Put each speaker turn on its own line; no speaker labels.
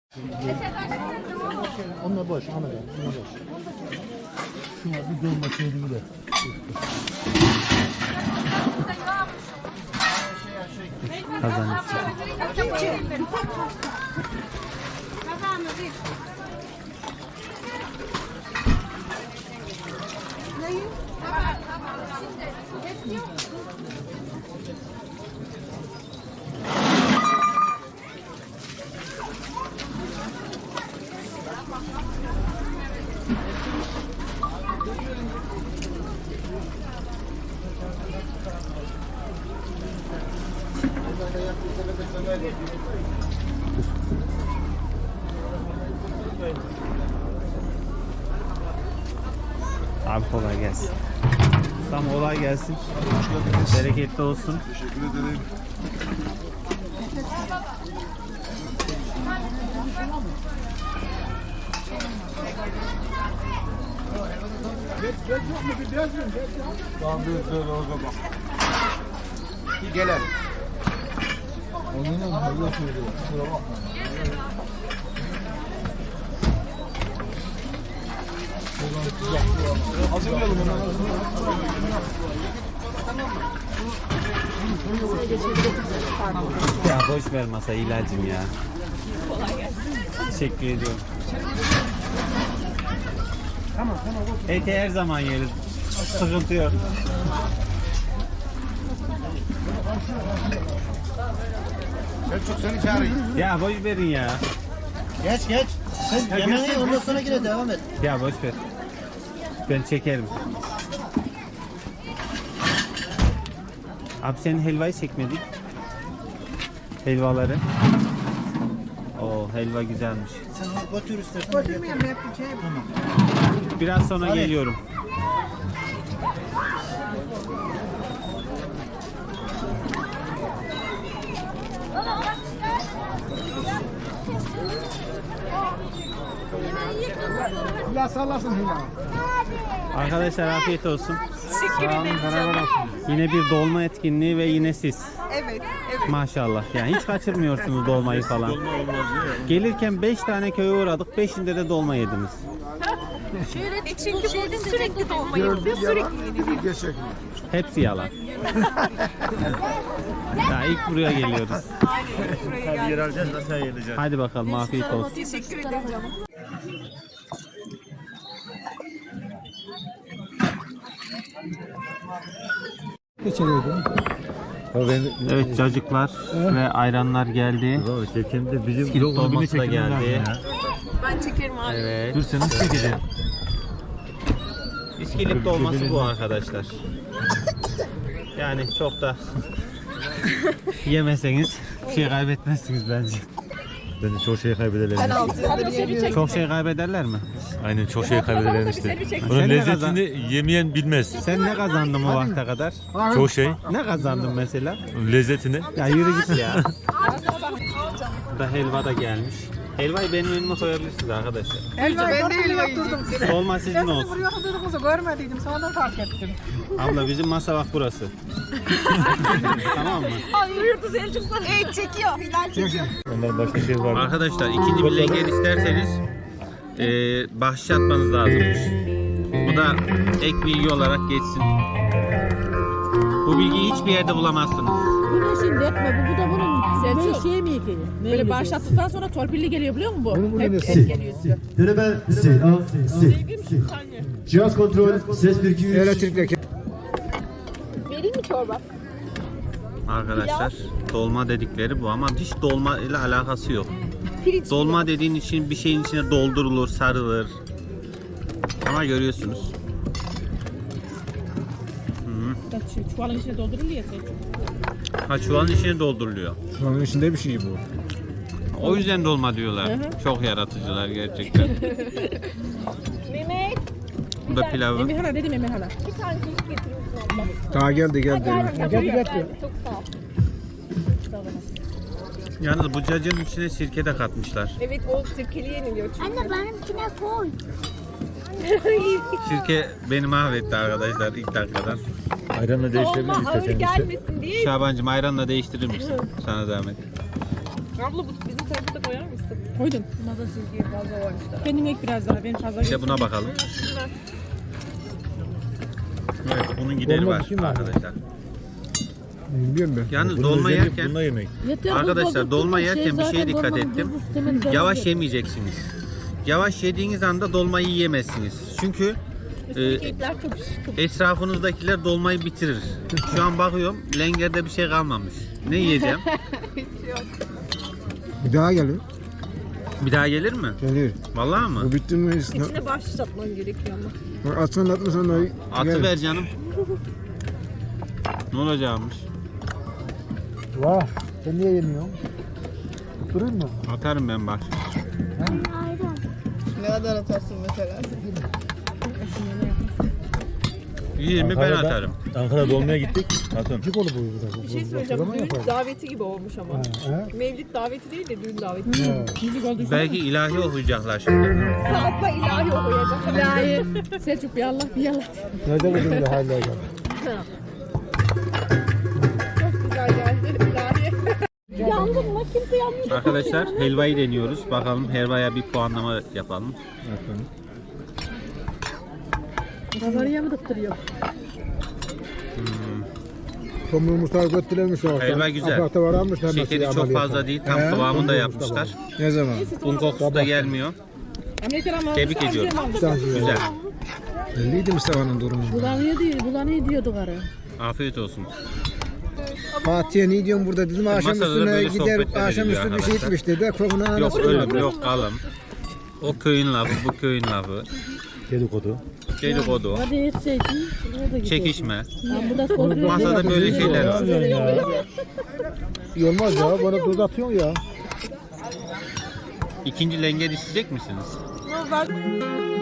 Onlar boş, onlar boş. Şuna bir dolma şeyini de.
Kazanırsın. Abi kolay gelsin. Tam kolay gelsin. Bereketli olsun.
Teşekkür ederim. Tamam bir orada bak. Bir gelelim.
Onunla Allah söylüyor. Kusura bakma.
Hazırlayalım onu.
Ya boş ver masa ilacım ya. Teşekkür ediyorum. Eti her zaman yeriz. Sıkıntı yok.
Selçuk seni çağırayım.
Ya boş verin ya.
Geç. Sen yemeğini ondan sonra yine devam et.
Ya boş ver. Ben çekerim. Abi senin helvayı çekmedik. Helvaları. Oo helva güzelmiş.
Sen onu götür istersen.
Götürmeyeyim yapacağım.
Tamam.
Biraz sonra
Salih.
geliyorum.
Allah sallasın Hilal.
Arkadaşlar afiyet olsun.
Teşekkür ederim.
Yine bir dolma etkinliği ve yine siz.
Evet.
Maşallah. Yani hiç kaçırmıyorsunuz dolmayı falan. Gelirken 5 tane köye uğradık. 5'inde de dolma yediniz.
Çünkü burada sürekli dolma yapıyor, sürekli yeniliyor.
Gerçek.
Hepsi yalan. Ya ilk buraya geliyoruz.
Buraya geldim.
Yer alacağız da sen yiyeceksin.
Hadi bakalım afiyet olsun.
Teşekkür ederim canım.
Evet cacıklar ve ayranlar geldi.
Çekimde bizim
İskilip dolması da geldi.
Ben çekerim abi.
Evet.
Dur sen nasıl çekeceksin?
İskilip dolması bu arkadaşlar. Yani çok da yemeseniz bir şey kaybetmezsiniz bence.
Bence çok şey kaybederler.
Ben 6 yıldır yemiyorum.
Çok şey kaybederler mi?
Aynen çok şey kaybederler işte.
Sen
Bunun
ne
lezzetini yemeyen bilmez.
Sen ne kazandın bu vakte kadar?
Çok şey.
Ne kazandın mesela?
Lezzetini.
Ya yürü git ya. Bu da helva da gelmiş. Helvayı benim önüme koyabilirsiniz arkadaşlar.
Ben de helva yiyeceğim.
Dolma sizin olsun.
Buraya hazırlığımızı görmediydim, sonradan fark ettim.
Abla bizim masa bak burası. Tamam mı?
Ay buyurdu Selçuklar. Evet çekiyor, Hilal çekiyor.
Onların başka şey var.
Arkadaşlar ikinci bir lenger isterseniz bahşiş atmanız lazımmış. Bu da ek bilgi olarak geçsin. Bu bilgiyi hiçbir yerde bulamazsınız.
Bu ne şimdi etme bu da bunun
Selçuk.
şey mi ki?
Böyle bağışlattıktan sonra torpilli geliyor biliyor musun bu?
Bunun
Hep
nesi?
et geliyor size.
Deneme si. Cihaz kontrol ses 1 2 3.
Elektrikle.
Vereyim mi çorba?
Arkadaşlar dolma dedikleri bu ama hiç dolma ile alakası yok. Dolma dediğin için bir şeyin içine doldurulur, sarılır. Ama görüyorsunuz.
Çuvalın içine dolduruluyor ya Selçuk.
Ha çuvalın içine dolduruluyor.
Şu an içinde bir şey bu.
O yüzden dolma diyorlar. Çok yaratıcılar gerçekten.
Mehmet.
Bu da pilavı.
Emirhan'a dedim Emirhan'a.
Daha geldi.
Geldi çok sağ ol.
Yalnız bu cacığın içine sirke de katmışlar.
Evet o sirkeli yeniliyor çünkü.
Anne benimkine koy.
Sirke beni mahvetti arkadaşlar ilk dakikadan.
Ayranla değiştirebiliriz
Olma ağır
isterseniz.
gelmesin diye.
Şabancığım ayranla değiştirir misin? Sana zahmet.
Abla bu bizim tarafa da koyar mısın?
Koydum.
Buna da silgiyi fazla var işte.
Kendin ek biraz daha. Ben fazla
İşte buna bakalım. Evet, bunun gideri
Dolma
var
bir şey mi var?
arkadaşlar.
Bilmiyorum ben.
Yalnız dolma yerken
yemek.
Yeter,
arkadaşlar
bu
dolma
şey
yerken bir şeye
zaten
dikkat
dolmanın
ettim.
buzlu sistemini
Yavaş
zaten-
yemeyeceksiniz. Yavaş yediğiniz anda dolmayı yiyemezsiniz. Çünkü
Kekler çok
etrafınızdakiler dolmayı bitirir. Şu an bakıyorum lengerde bir şey kalmamış. Ne yiyeceğim?
Bir daha geliyor.
Bir daha gelir mi?
Gelir.
Vallahi mı?
Bu bitti mi?
içine başlatman gerekiyor ama.
Atsan atmasan da
Atı ver canım. Ne olacakmış?
Vah. Sen niye yemiyorsun? Durur mu?
Atarım ben bak.
Ne kadar atarsın mesela?
20 ben atarım.
Ankara dolmaya gittik. Hatun. Cik olur bu.
Bir şey söyleyeceğim. Düğün daveti gibi olmuş ama.
He?
Mevlid daveti değil de düğün daveti.
Müzik oldu.
Belki ilahi okuyacaklar şimdi.
Saatla ilahi okuyacak.
İlahi. Selçuk bir Allah bir Allah.
Nerede buldun ya hala gel.
Çok güzel geldi ilahi.
Yandın mı? Kimse yanmıyor.
Arkadaşlar helvayı deniyoruz. Bakalım helvaya bir puanlama yapalım.
Kabarıya mı dıktırıyor?
Tomluğu Mustafa götürülmüş orada.
Helva güzel.
Aparta varanmışlar.
Şekeri çok fazla değil. Tam kıvamında yapmışlar.
Ne zaman?
Un kokusu da gelmiyor. Tebrik ediyorum. Güzel.
Belliydi Mustafa'nın durumu.
Bulanıyor diyordu karı.
Afiyet olsun.
Fatih'e ne diyorsun burada dedim. Akşam
Masada da
üstüne
böyle
gider,
sohbetler
akşam
ediliyor
üstü bir şey
arkadaşlar.
içmiş dedi. Kokunu
Yok
anasını
ölüm yok kalım. O köyün lafı, bu köyün lafı.
Dedikodu.
Dedikodu,
Hadi etseydin. Nerede gidiyorsun?
çekişme.
Ben burada kontrol
Masada böyle şeyler var.
İyi olmaz ya. Bana tuz atıyorsun ya.
İkinci lenge isteyecek misiniz?
Ben